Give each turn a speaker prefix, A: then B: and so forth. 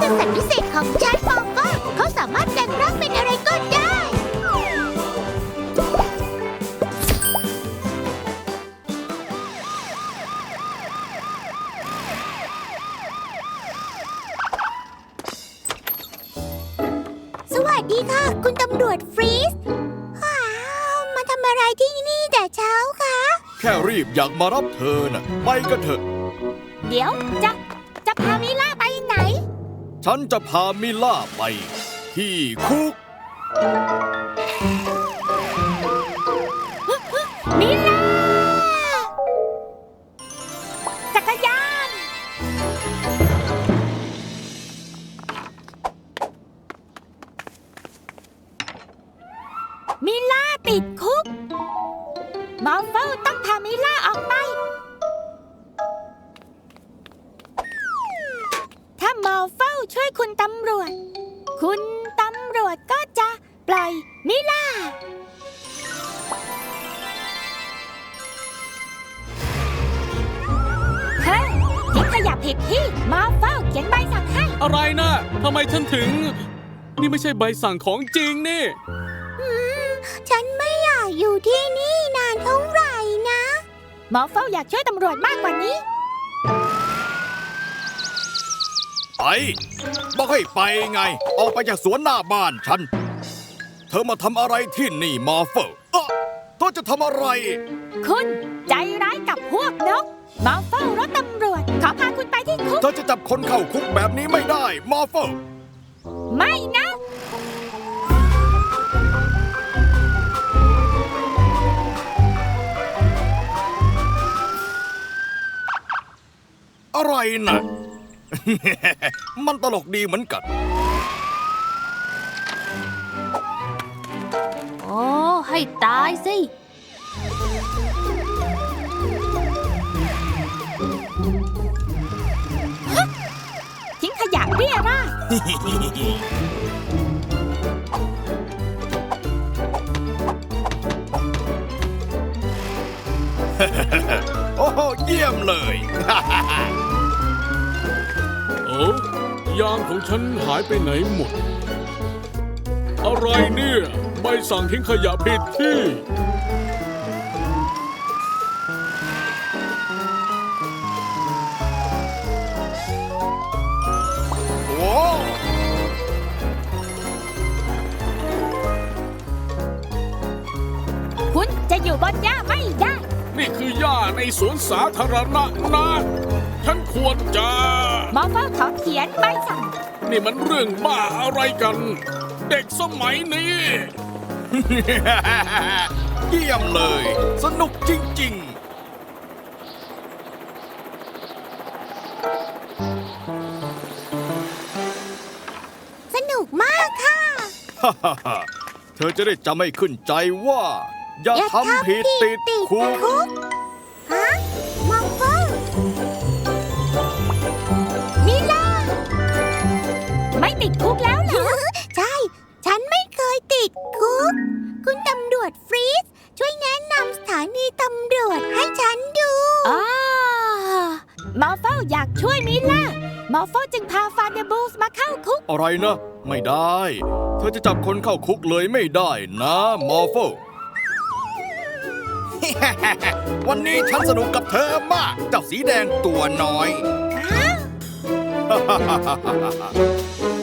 A: สัตว์พิเศษของฉันมอฟเฟิลเขาสามารถแปลงร่างเป็นอะไรก็ได้ สวัสดีค่ะ คุณตำรวจฟรีสว้าวมาทำอะไรที่นี่แต่เช้าคะ
B: แค่รีบอยากมารับเธอน่ะไปกันเถอะ
A: เดี๋ยวจะพามิล่าไปไหน
B: ฉันจะพามิล่าไปที่คุก
A: มิล่าจักรยาน มิล่าติดคุกมอฟเฟิลต้องพามิล่าออกไป ถ้ามอฟเฟิลช่วยคุณตำรวจก็จะปล่อยมิล่า เฮ้ยทิ้งขยะผิดที่มอฟเฟิลเขียนใบสั่งให้
C: อะไรนะทำไมฉันถึง นี่ไม่ใช่ใบสั่งของจริงนี่
A: ฉันไม่อยากอยู่ที่นี่นานเท่าไหร่นะมอฟเฟิลอยากช่วยตำรวจมากกว่านี้
B: ไปบอกให้ไปไง ออกไปจากสวนหน้าบ้านฉัน เธอมาทำอะไรที่นี่มอฟเฟิลเธอจะทำอะไร
A: คุณใจร้ายกับพวกนกมอฟเฟิลรถตำรวจขอพาคุณไปที่คุก
B: เธอจะจับคนเข้าคุกแบบนี้ไม่ได้มอฟเฟิล
A: ไม่นะ
B: อะไรน่ะ มันตลกดีเหมือนกัน
A: โอ้ให้ตายสิ ทิ้งขยะเรี่ยราด
B: โอ้โหเยี่ยมเลย
C: โอ้ยางของฉันหายไปไหนหมด อะไรเนี่ยใบสั่งทิ้งขยะผิดที่
B: โอ้
A: คุณจะอยู่บนหญ้าไม่ได้
C: นี่คือหญ้าในสวนสาธารณะนะฉันควรจะ
A: มอฟเฟิลขอเขียนใบสั่ง
C: นี่มันเรื่องบ้าอะไรกัน เด็กสมัยนี้
B: เยี่ยมเลย สนุกจริง
A: สนุกมากค่ะ
B: ๆ เธอจะได้จำให้ขึ้นใจว่า อย่าทำผิดติดคุก
A: ฮะมอฟเฟิลมิล่าไม่ติดคุกแล้วเหรอ ใช่ ฉันไม่เคยติดคุก คุณตำรวจฟรีสช่วยแนะนำสถานีตำรวจให้ฉันดูมอฟเฟิลอยากช่วยมิล่ามอฟเฟิลจึงพาฟาเดบูสมาเข้าคุก
B: อะไรนะ ไม่ได้ เธอจะจับคนเข้าคุกเลยไม่ได้นะมอร์โฟ วันนี้ฉันสนุกกับเธอมาก เจ้าสีแดงตัวน้อย